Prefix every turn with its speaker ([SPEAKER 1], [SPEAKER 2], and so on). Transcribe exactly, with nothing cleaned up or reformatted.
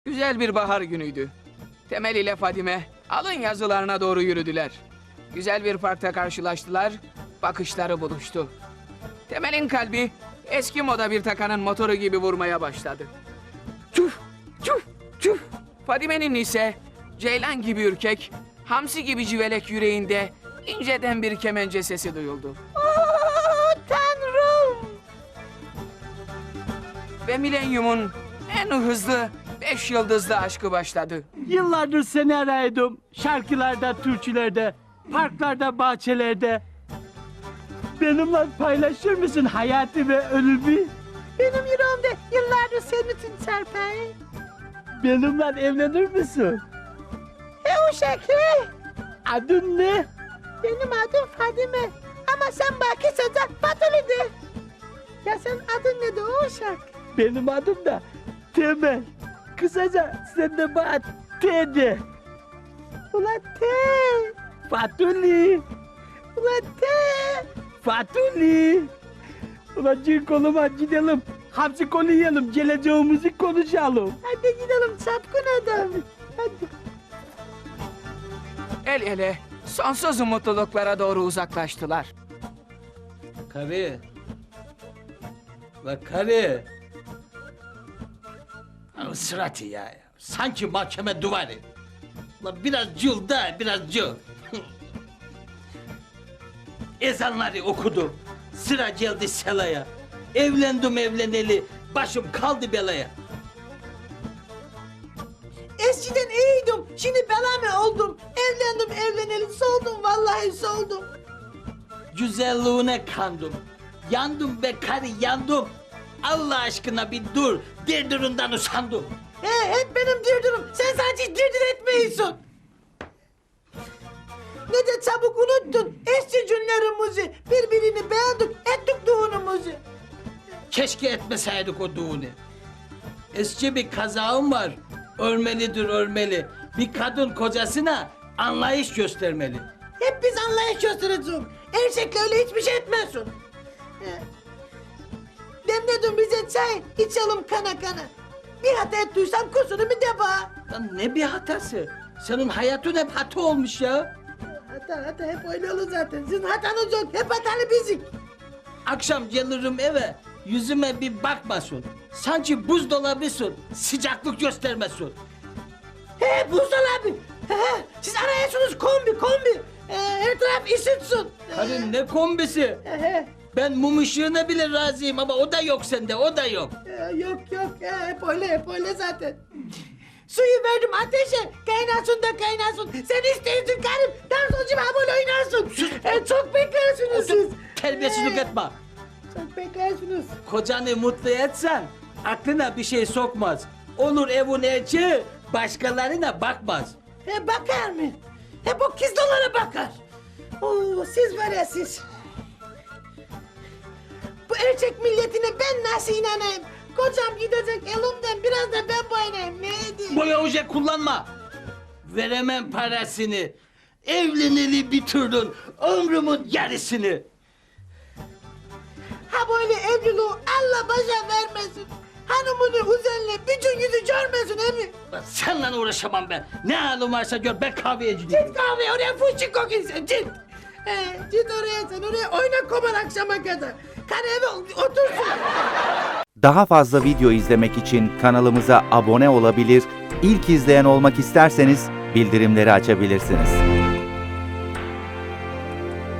[SPEAKER 1] Güzel bir bahar günüydü. Temel ile Fadime alın yazılarına doğru yürüdüler. Güzel bir parkta karşılaştılar, bakışları buluştu. Temel'in kalbi eski moda bir takanın motoru gibi vurmaya başladı. Çuf, çuf, çuf. Fadime'nin ise ceylan gibi ürkek, hamsi gibi civelek yüreğinde inceden bir kemence sesi duyuldu.
[SPEAKER 2] Oh, Tanrım!
[SPEAKER 1] Ve milenyumun en hızlı beş yıldızlı aşkı başladı.
[SPEAKER 3] Yıllardır seni arıyordum. Şarkılarda, türkülerde, parklarda, bahçelerde. Benimle paylaşır mısın hayatı ve ölümü?
[SPEAKER 2] Benim yüreğimde yıllardır senin için çarpar.
[SPEAKER 3] Benimle evlenir misin?
[SPEAKER 2] E o şekli.
[SPEAKER 3] Adın ne?
[SPEAKER 2] Benim adım Fadime. Ama sen baki sıcak Fatuli de. Ya sen adın ne de o şarkı?
[SPEAKER 3] Benim adım da Temel. Kısaca sen de bana T de.
[SPEAKER 2] Ula te.
[SPEAKER 3] Fatuli.
[SPEAKER 2] Ula te.
[SPEAKER 3] Fatuli. Ulan cin koluma gidelim. Hamsi kolu yiyelim. Geleceğimizi konuşalım.
[SPEAKER 2] Hadi gidelim çapkın adam. Hadi.
[SPEAKER 1] El ele sonsuz mutluluklara doğru uzaklaştılar.
[SPEAKER 4] Karı. La karı. Ya Sıratı ya. Sanki mahkeme duvarı. La biraz cıl da biraz cıl. Ezanları okudum. Sıra geldi selaya. Evlendim evleneli. Başım kaldı belaya.
[SPEAKER 2] Eskiden iyiydim. Şimdi bela mı oldum? Evlendim evleneli soldum vallahi soldum.
[SPEAKER 4] Güzelliğine kandım. Yandım be karı yandım. Allah aşkına bir dur. Dirdirundan usandım.
[SPEAKER 2] He hep benim dirdirim. Sen sadece dirdir etmiyorsun. Ne de çabuk unuttun eski günlerimizi. Birbirini beğendik ettik düğünümüzü.
[SPEAKER 4] Keşke etmeseydik o düğünü. Eski bir kazağım var. Örmelidir örmeli. Bir kadın kocasına anlayış göstermeli.
[SPEAKER 2] Hep biz anlayış göstereceğiz. Erkekle öyle hiçbir şey etmiyorsun. He. Demledim bize çay içelim kana kana. Bir hata ettiysem kusurumu de bana.
[SPEAKER 4] Lan ne bir hatası? Senin hayatın hep hata olmuş ya.
[SPEAKER 2] Hata hata hep öyle olur zaten. Sizin hatanız yok. Hep hatalı bizik.
[SPEAKER 4] Akşam gelirim eve. Yüzüme bir bakmasın. Sanki buzdolabısın. Sıcaklık göstermesin.
[SPEAKER 2] He buzdolabı. He he. Siz arıyorsunuz kombi kombi. Ee, her taraf ısıtsın.
[SPEAKER 4] Karın ne kombisi?
[SPEAKER 2] He he.
[SPEAKER 4] Ben mum ışığına bile razıyım ama o da yok sende, o da yok.
[SPEAKER 2] Ee, yok yok. He, hep öyle hep öyle zaten. Suyu verdim ateşe. Kaynasın da kaynasın. Sen istiyorsun karım. Dansoncu ha böyle oynarsın. Ee, çok beklersiniz siz.
[SPEAKER 4] Terbiyesizlik
[SPEAKER 2] He.
[SPEAKER 4] etme.
[SPEAKER 2] Çok beklersiniz.
[SPEAKER 4] Kocanı mutlu etsen aklına bir şey sokmaz. Olur evin erkeği başkalarına bakmaz.
[SPEAKER 2] He bakar mı? Hep o kızlara bakar. Oo, siz var ya siz. Bu erkek milletine ben nasıl inanayım? Kocam gidecek elimden biraz da ben boyanayım. Ne edeyim?
[SPEAKER 4] Boya oje kullanma. Veremem parasını. Evleneli bitirdin ömrümün yarısını.
[SPEAKER 2] Ha böyle evliliği Allah başa vermesin. Hanımını üzerine bütün yüzü görmesin emi.
[SPEAKER 4] Lan seninle uğraşamam ben. Ne halin varsa gör ben kahveye gideyim.
[SPEAKER 2] Git kahve oraya fuşçuk kokun sen git. He, git oraya sen oraya oyna koman akşama kadar. Karı eve otursun.
[SPEAKER 5] Daha fazla video izlemek için kanalımıza abone olabilir, ilk izleyen olmak isterseniz bildirimleri açabilirsiniz.